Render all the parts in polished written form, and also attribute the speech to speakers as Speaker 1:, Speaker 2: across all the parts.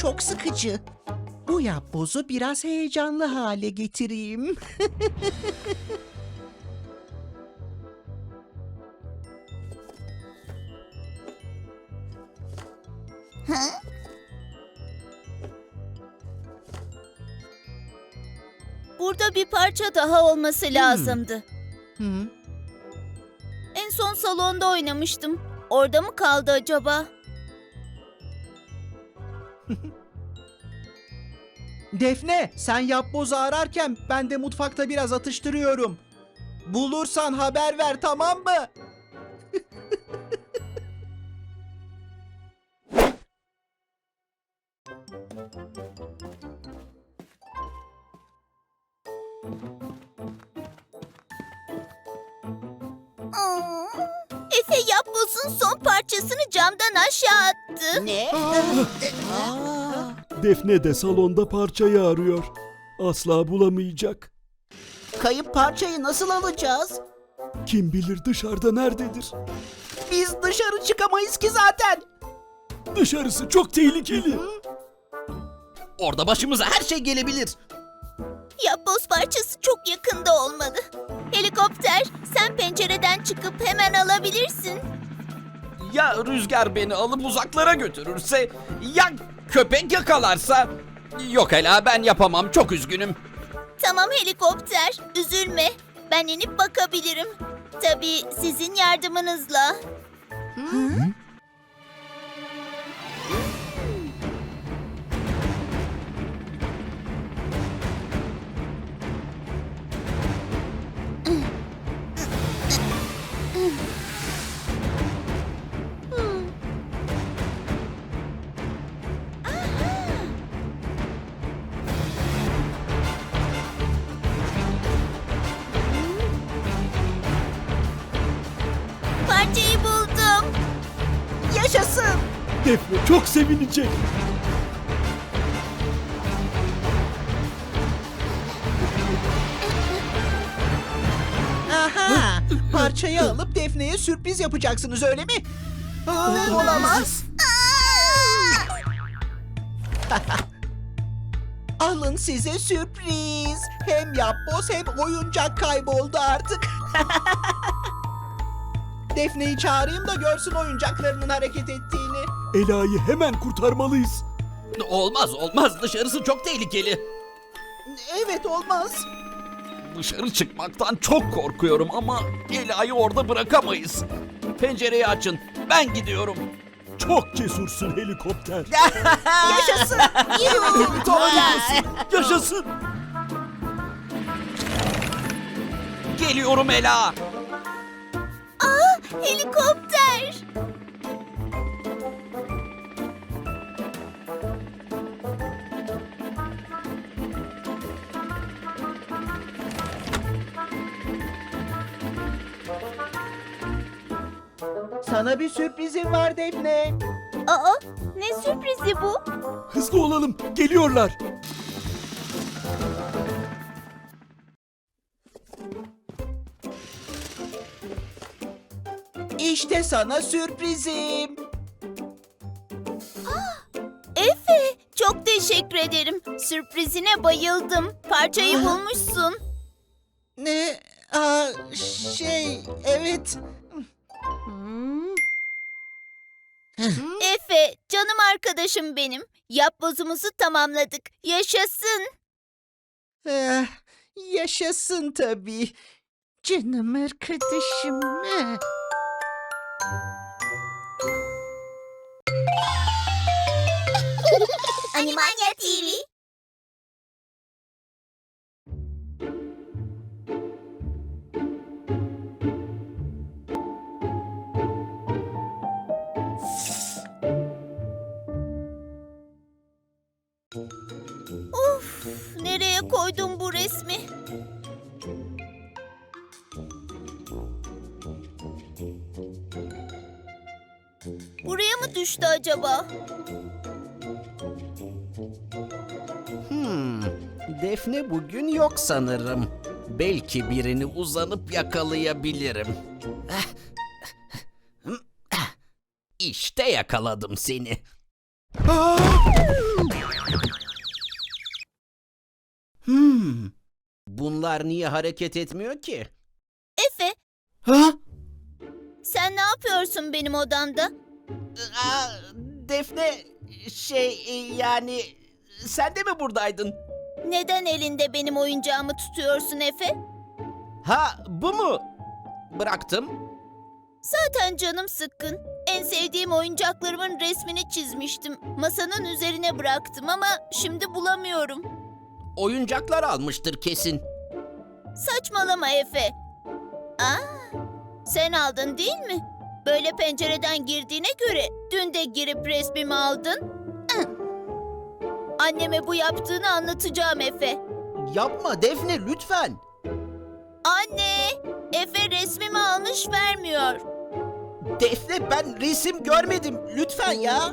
Speaker 1: çok sıkıcı. Bu yapbozu biraz heyecanlı hale getireyim.
Speaker 2: Burada bir parça daha olması lazımdı.
Speaker 1: Hı?
Speaker 2: En son salonda oynamıştım. Orada mı kaldı acaba?
Speaker 1: Defne, sen yapbozu ararken ben de mutfakta biraz atıştırıyorum. Bulursan haber ver, tamam mı?
Speaker 2: Efe yapbozun son parçasını camdan aşağı attı.
Speaker 3: Ne?
Speaker 4: Defne de salonda parçayı arıyor. Asla bulamayacak.
Speaker 3: Kayıp parçayı nasıl alacağız?
Speaker 4: Kim bilir dışarıda nerededir?
Speaker 3: Biz dışarı çıkamayız ki zaten.
Speaker 4: Dışarısı çok tehlikeli.
Speaker 5: Orada başımıza her şey gelebilir.
Speaker 2: Yapboz parçası çok yakında olmalı. Helikopter, sen pencereden çıkıp hemen alabilirsin.
Speaker 5: Ya rüzgar beni alıp uzaklara götürürse? Ya köpek yakalarsa? Yok Ela, ben yapamam, çok üzgünüm.
Speaker 2: Tamam helikopter, üzülme. Ben inip bakabilirim. Tabii sizin yardımınızla. Parçayı buldum.
Speaker 3: Yaşasın.
Speaker 4: Defne çok sevinecek.
Speaker 1: Aha! Parçayı alıp Defne'ye sürpriz yapacaksınız, öyle mi?
Speaker 3: Olamaz.
Speaker 1: Alın size sürpriz. Hem yapboz hem oyuncak kayboldu artık. Defne'yi çağırayım da görsün oyuncaklarının hareket ettiğini.
Speaker 4: Ela'yı hemen kurtarmalıyız.
Speaker 5: Olmaz, dışarısı çok tehlikeli.
Speaker 1: Evet, olmaz.
Speaker 5: Dışarı çıkmaktan çok korkuyorum ama Ela'yı orada bırakamayız. Pencereyi açın, ben gidiyorum.
Speaker 4: Çok cesursun helikopter.
Speaker 3: Yaşasın. Helikopter.
Speaker 4: Yaşasın.
Speaker 5: Geliyorum Ela.
Speaker 2: Helikopter.
Speaker 1: Sana bir sürprizim var Defne.
Speaker 2: Aa, ne sürprizi bu?
Speaker 4: Hızlı olalım. Geliyorlar.
Speaker 1: İşte sana sürprizim.
Speaker 2: Efe, çok teşekkür ederim. Sürprizine bayıldım. Parçayı bulmuşsun.
Speaker 1: Ne? Evet.
Speaker 2: Efe, canım arkadaşım benim. Yapbozumuzu tamamladık. Yaşasın.
Speaker 1: Eh, yaşasın tabii. Canım arkadaşım.
Speaker 2: Animania TV. Of, nereye koydum bu resmi? Buraya mı düştü acaba?
Speaker 5: Defne bugün yok sanırım. Belki birini uzanıp yakalayabilirim. İşte yakaladım seni.
Speaker 6: Bunlar niye hareket etmiyor ki?
Speaker 2: Efe,
Speaker 3: Ha?
Speaker 2: sen ne yapıyorsun benim odamda?
Speaker 6: Defne, yani sen de mi buradaydın?
Speaker 2: Neden elinde benim oyuncağımı tutuyorsun Efe?
Speaker 6: Ha, bu mu? Bıraktım.
Speaker 2: Zaten canım sıkkın. En sevdiğim oyuncaklarımın resmini çizmiştim. Masanın üzerine bıraktım ama şimdi bulamıyorum.
Speaker 6: Oyuncaklar almıştır kesin.
Speaker 2: Saçmalama Efe. Aa, sen aldın değil mi? Böyle pencereden girdiğine göre dün de girip resmimi aldın. Hı. Anneme bu yaptığını anlatacağım Efe.
Speaker 6: Yapma Defne lütfen.
Speaker 2: Anne, Efe resmimi almış vermiyor.
Speaker 6: Defne ben resim görmedim. Lütfen ya.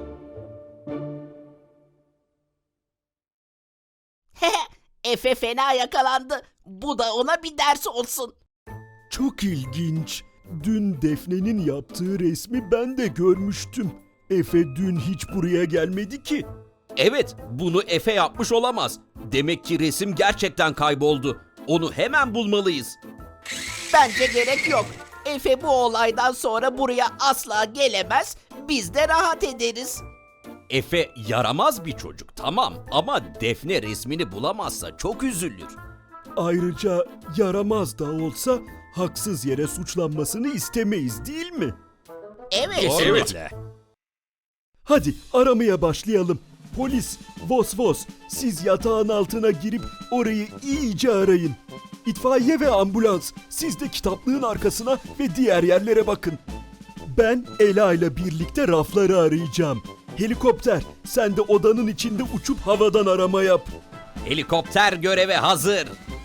Speaker 6: Efe fena yakalandı. Bu da ona bir ders olsun.
Speaker 4: Çok ilginç. Dün Defne'nin yaptığı resmi ben de görmüştüm. Efe dün hiç buraya gelmedi ki.
Speaker 5: Evet, bunu Efe yapmış olamaz. Demek ki resim gerçekten kayboldu. Onu hemen bulmalıyız.
Speaker 6: Bence gerek yok. Efe bu olaydan sonra buraya asla gelemez. Biz de rahat ederiz.
Speaker 5: Efe yaramaz bir çocuk, tamam, ama Defne resmini bulamazsa çok üzülür.
Speaker 4: Ayrıca yaramaz da olsa haksız yere suçlanmasını istemeyiz değil mi?
Speaker 6: Evet.
Speaker 4: Hadi aramaya başlayalım. Polis, Vos Vos, siz yatağın altına girip orayı iyice arayın. İtfaiye ve ambulans, siz de kitaplığın arkasına ve diğer yerlere bakın. Ben Ela ile birlikte rafları arayacağım. Helikopter, sen de odanın içinde uçup havadan arama yap.
Speaker 5: Helikopter göreve hazır.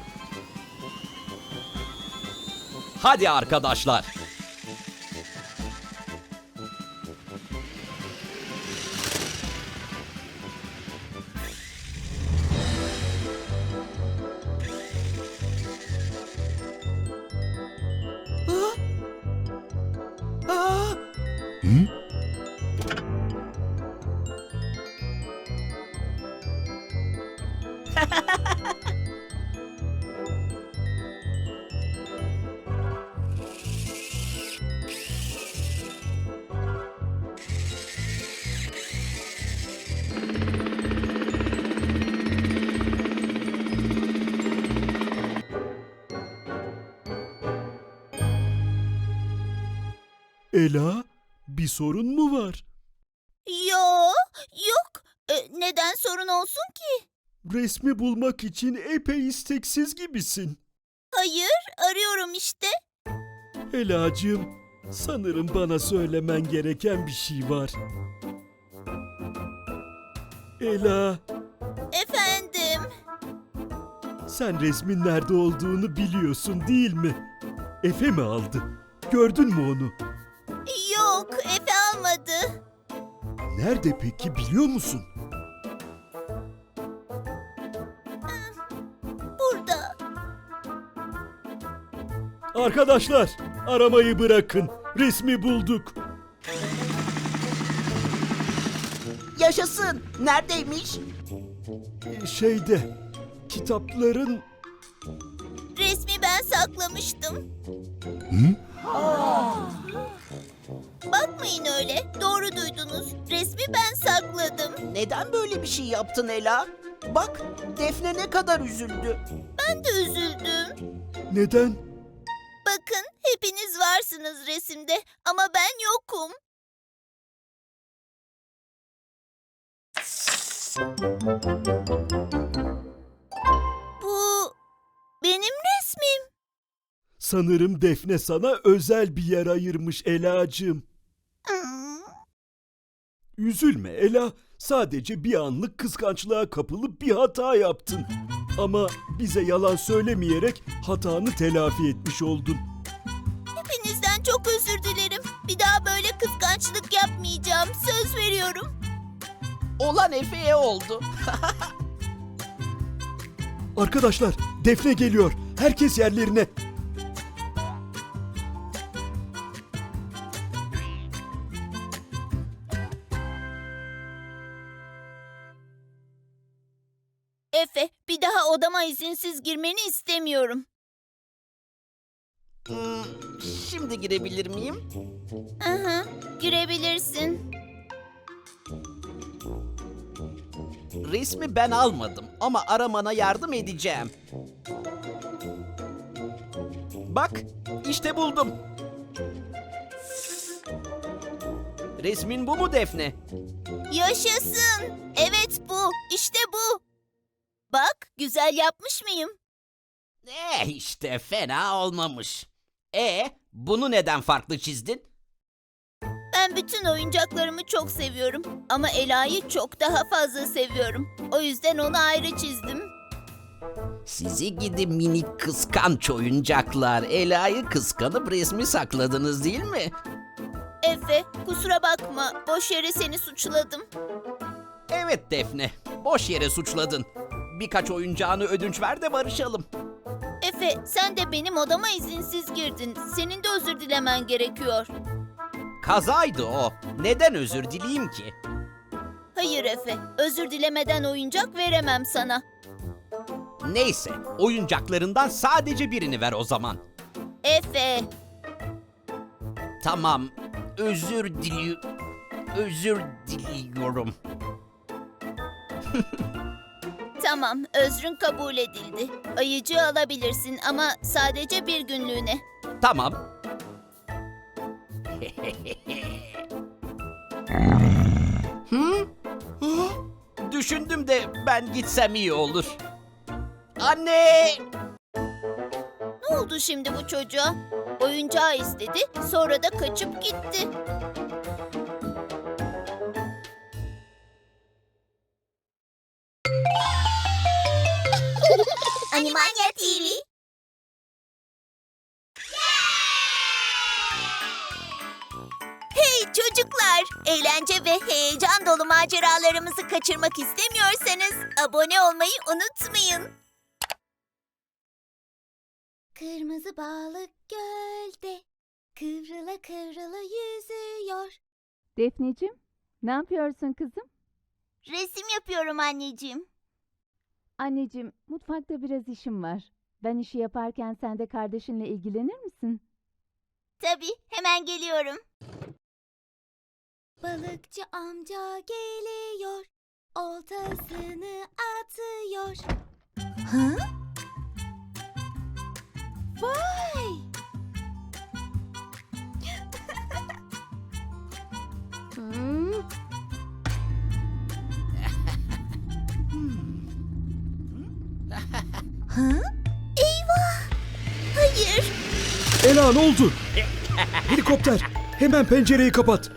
Speaker 5: Hadi arkadaşlar.
Speaker 4: Ela, bir sorun mu var?
Speaker 2: Yok. Neden sorun olsun ki?
Speaker 4: Resmi bulmak için epey isteksiz gibisin.
Speaker 2: Hayır, arıyorum işte.
Speaker 4: Elacığım, sanırım bana söylemen gereken bir şey var. Ela,
Speaker 2: Efendim,
Speaker 4: sen resmin nerede olduğunu biliyorsun değil mi? Efe mi aldı? Gördün mü onu?
Speaker 2: yok Efe almadı.
Speaker 4: Nerede peki biliyor musun?
Speaker 2: Burada.
Speaker 4: Arkadaşlar, aramayı bırakın. Resmi bulduk.
Speaker 6: Yaşasın. Neredeymiş?
Speaker 4: Şeyde, kitapların...
Speaker 2: Resmi ben saklamıştım. Bakmayın öyle. Doğru duydunuz. Resmi ben sakladım.
Speaker 6: Neden böyle bir şey yaptın Ela? Bak Defne ne kadar üzüldü.
Speaker 2: Ben de üzüldüm.
Speaker 4: Neden?
Speaker 2: Bakın hepiniz varsınız resimde ama ben yokum. Bu benim resmim.
Speaker 4: Sanırım Defne sana özel bir yer ayırmış Elacığım. Üzülme Ela, sadece bir anlık kıskançlığa kapılıp bir hata yaptın. Ama bize yalan söylemeyerek hatanı telafi etmiş oldun.
Speaker 2: Hepinizden çok özür dilerim. Bir daha böyle kıskançlık yapmayacağım. Söz veriyorum.
Speaker 6: Olan Efe'ye oldu.
Speaker 4: Arkadaşlar, Defne geliyor. Herkes yerlerine.
Speaker 2: Efe, bir daha odama izinsiz girmeni istemiyorum.
Speaker 6: Şimdi girebilir miyim?
Speaker 2: Hı hı, girebilirsin.
Speaker 6: Resmi ben almadım ama aramana yardım edeceğim. Bak, işte buldum. Resmin bu mu Defne?
Speaker 2: Yaşasın. Evet bu, işte bu. Bak, güzel yapmış mıyım?
Speaker 6: İşte fena olmamış. Bunu neden farklı çizdin?
Speaker 2: Ben bütün oyuncaklarımı çok seviyorum. Ama Ela'yı çok daha fazla seviyorum. O yüzden onu ayrı çizdim.
Speaker 6: Sizi gidi minik kıskanç oyuncaklar. Ela'yı kıskanıp resmi sakladınız değil mi?
Speaker 2: Efe, kusura bakma. Boş yere seni suçladım.
Speaker 6: Evet Defne, boş yere suçladın. Birkaç oyuncağını ödünç ver de barışalım.
Speaker 2: Efe, sen de benim odama izinsiz girdin. Senin de özür dilemen gerekiyor.
Speaker 6: Kazaydı o. Neden özür dileyim ki?
Speaker 2: Hayır Efe, özür dilemeden oyuncak veremem sana.
Speaker 6: Neyse, oyuncaklarından sadece birini ver o zaman.
Speaker 2: Efe,
Speaker 6: Tamam, özür diliyorum.
Speaker 2: tamam, özrün kabul edildi. Ayıcığı alabilirsin ama sadece bir günlüğüne.
Speaker 6: Tamam. Düşündüm de ben gitsem iyi olur. Anne!
Speaker 2: Ne oldu şimdi bu çocuğa? Oyuncağı istedi, sonra da kaçıp gitti. Animania TV. Hey çocuklar! Eğlence ve heyecan dolu maceralarımızı kaçırmak istemiyorsanız abone olmayı unutmayın.
Speaker 7: Kırmızı balık gölde kıvrıla kıvrıla yüzüyor.
Speaker 8: Defneciğim, ne yapıyorsun kızım?
Speaker 2: Resim yapıyorum anneciğim.
Speaker 8: Anneciğim, mutfakta biraz işim var. Ben işi yaparken sen de kardeşinle ilgilenir misin?
Speaker 2: Tabii, hemen geliyorum.
Speaker 7: Balıkçı amca geliyor. Oltasını atıyor. Hı? Vay! Hmm. Hı?
Speaker 2: Hayır.
Speaker 4: Ela ne oldu? Helikopter, hemen pencereyi kapat.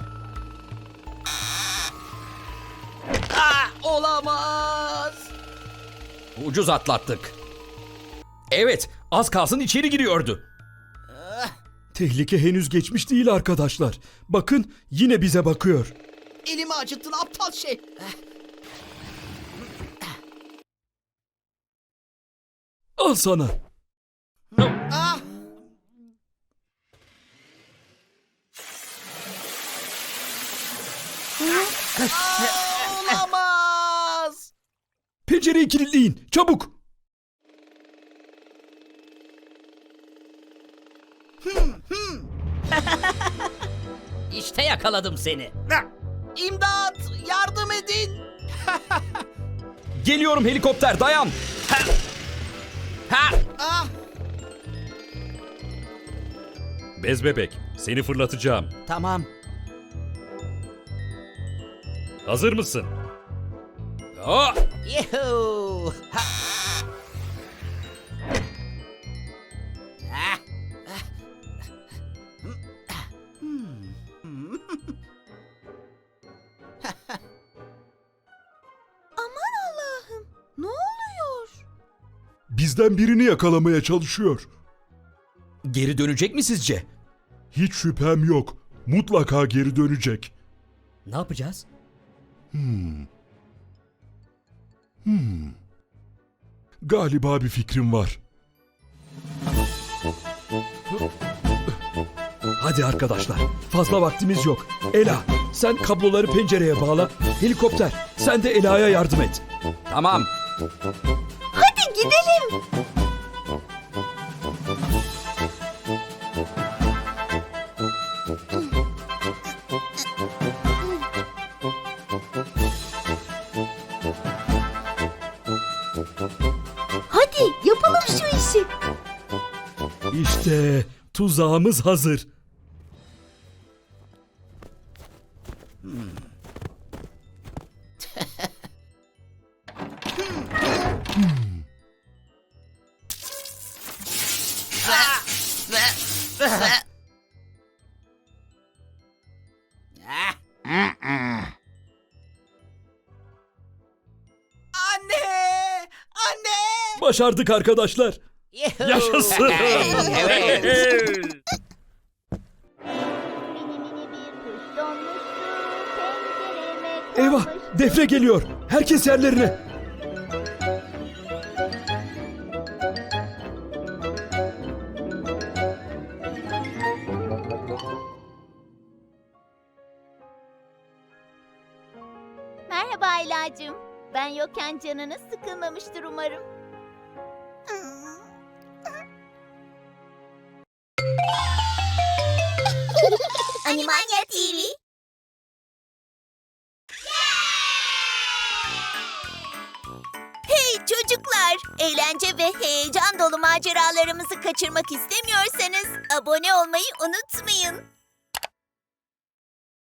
Speaker 6: Olamaz!
Speaker 5: Ucuz atlattık. Evet, az kalsın içeri giriyordu.
Speaker 4: Tehlike henüz geçmiş değil arkadaşlar. Bakın yine bize bakıyor.
Speaker 6: Elimi acıttın aptal şey.
Speaker 4: Al sana.
Speaker 6: Ah! Olamaz!
Speaker 4: Pencereyi kilitleyin, çabuk.
Speaker 6: İşte yakaladım seni. İmdat! Yardım edin!
Speaker 5: Geliyorum helikopter, dayan.
Speaker 6: Ah!
Speaker 9: Bez bebek, seni fırlatacağım.
Speaker 6: Tamam.
Speaker 9: Hazır mısın?
Speaker 5: Oh!
Speaker 6: Yuhuu! Ha! Ah!
Speaker 7: Aman Allah'ım! Ne oluyor?
Speaker 4: Bizden birini yakalamaya çalışıyor.
Speaker 5: Geri dönecek mi sizce?
Speaker 4: Hiç şüphem yok. Mutlaka geri dönecek.
Speaker 5: Ne yapacağız?
Speaker 4: Galiba bir fikrim var. Hadi arkadaşlar, fazla vaktimiz yok. Ela, sen kabloları pencereye bağla. Helikopter, sen de Ela'ya yardım et.
Speaker 5: Tamam.
Speaker 7: Hadi gidelim. Hadi yapalım şu işi.
Speaker 4: İşte tuzağımız hazır.
Speaker 6: Anne! Anne!
Speaker 4: Başardık arkadaşlar.
Speaker 9: Yaşasın.
Speaker 6: Evet.
Speaker 4: Eyvah, Defne geliyor. Herkes yerlerine.
Speaker 2: Merhaba Aylacığım. Ben yokken canınız sıkılmamıştır umarım. Animania TV. Hey çocuklar! Eğlence ve heyecan dolu maceralarımızı kaçırmak istemiyorsanız abone olmayı unutmayın.